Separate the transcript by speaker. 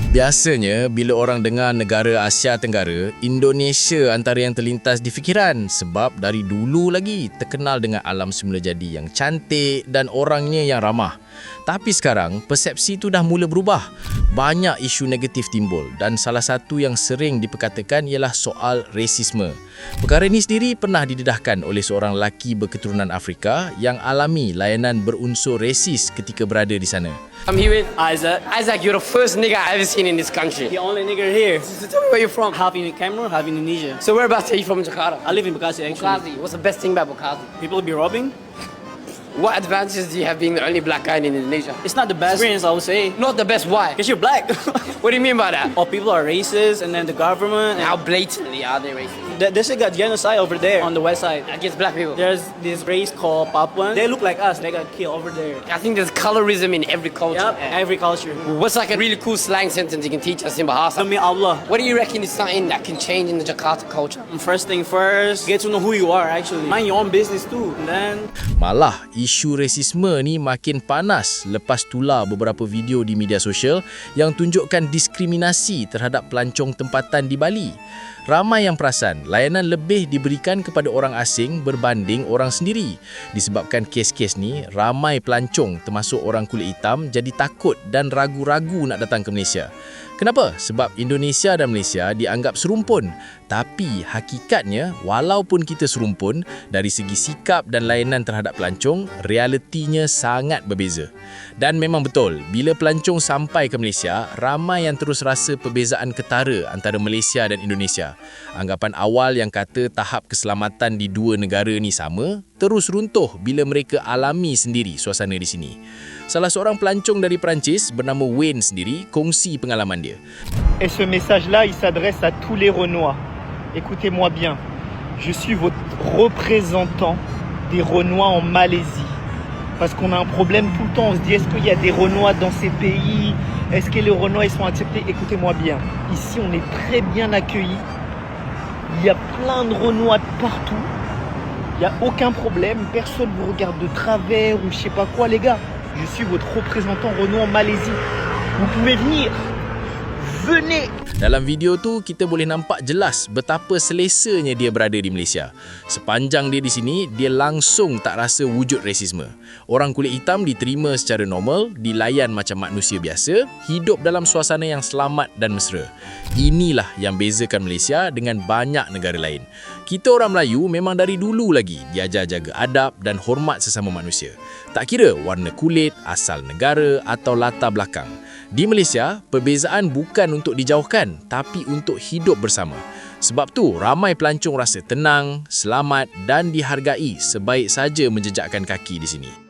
Speaker 1: Biasanya, bila orang dengar negara Asia Tenggara, Indonesia antara yang terlintas di fikiran sebab dari dulu lagi terkenal dengan alam semula jadi yang cantik dan orangnya yang ramah. Tapi sekarang, persepsi itu dah mula berubah. Banyak isu negatif timbul dan salah satu yang sering diperkatakan ialah soal rasisme. Perkara ini sendiri pernah didedahkan oleh seorang lelaki berketurunan Afrika yang alami layanan berunsur rasis ketika berada di sana.
Speaker 2: I'm here with Isaac. Isaac, you're the first nigger I've ever seen in this country.
Speaker 3: The only nigger here.
Speaker 2: So tell me where you're from.
Speaker 3: Half in Cameroon, half in Indonesia.
Speaker 2: So whereabouts are you from in Jakarta?
Speaker 3: I live in Bekasi actually.
Speaker 2: Bukhazi. What's the best thing about Bukhazi?
Speaker 3: People be robbing.
Speaker 2: What advantages do you have being the only black guy in Indonesia?
Speaker 3: It's not the best experience, I would say.
Speaker 2: Not the best. Why?
Speaker 3: Because you're black.
Speaker 2: What do you mean by that?
Speaker 3: All people are racist, and then the government.
Speaker 2: How blatantly are they racist?
Speaker 3: There's got genocide over there on the west side.
Speaker 2: Against black people?
Speaker 3: There's this race called Papuan. They look like us. They got killed over there.
Speaker 2: I think there's colorism in every culture.
Speaker 3: Yep, every culture.
Speaker 2: What's like a really cool slang sentence you can teach us in Bahasa?
Speaker 3: Demi Allah.
Speaker 2: What do you reckon is something that can change in the Jakarta culture?
Speaker 3: First thing first, get to know who you are actually. Mind your own business too. And then
Speaker 1: Malah, isu rasisme ni makin panas lepas tular beberapa video di media sosial yang tunjukkan diskriminasi terhadap pelancong tempatan di Bali. Ramai yang perasan layanan lebih diberikan kepada orang asing berbanding orang sendiri. Disebabkan kes-kes ni, ramai pelancong termasuk orang kulit hitam jadi takut dan ragu-ragu nak datang ke Malaysia. Kenapa? Sebab Indonesia dan Malaysia dianggap serumpun. Tapi hakikatnya, walaupun kita serumpun, dari segi sikap dan layanan terhadap pelancong, realitinya sangat berbeza. Dan memang betul, bila pelancong sampai ke Malaysia, ramai yang terus rasa perbezaan ketara antara Malaysia dan Indonesia. Anggapan awal yang kata tahap keselamatan di dua negara ni sama, terus runtuh bila mereka alami sendiri suasana di sini. Salah seorang pelancong dari Perancis bernama Wayne sendiri kongsi pengalaman dia.
Speaker 4: Et ce message-là, il s'adresse à tous les Renois. Écoutez-moi bien, je suis votre représentant des Renois en Malaisie. Parce qu'on a un problème tout le temps, on se dit est-ce qu'il y a des Renois dans ces pays? Est-ce que les Renois ils sont acceptés? Écoutez-moi bien, ici on est très bien accueillis. Il y a plein de Renois partout. Il n'y a aucun problème, personne ne vous regarde de travers ou je sais pas quoi les gars. Je suis votre représentant Renois en Malaisie. Vous pouvez venir. Venez.
Speaker 1: Dalam video tu, kita boleh nampak jelas betapa selesanya dia berada di Malaysia. Sepanjang dia di sini, dia langsung tak rasa wujud rasisme. Orang kulit hitam diterima secara normal, dilayan macam manusia biasa, hidup dalam suasana yang selamat dan mesra. Inilah yang bezakan Malaysia dengan banyak negara lain. Kita orang Melayu memang dari dulu lagi diajar jaga adab dan hormat sesama manusia. Tak kira warna kulit, asal negara atau latar belakang. Di Malaysia, perbezaan bukan untuk dijauhkan, tapi untuk hidup bersama. Sebab tu, ramai pelancong rasa tenang, selamat dan dihargai sebaik saja menjejakkan kaki di sini.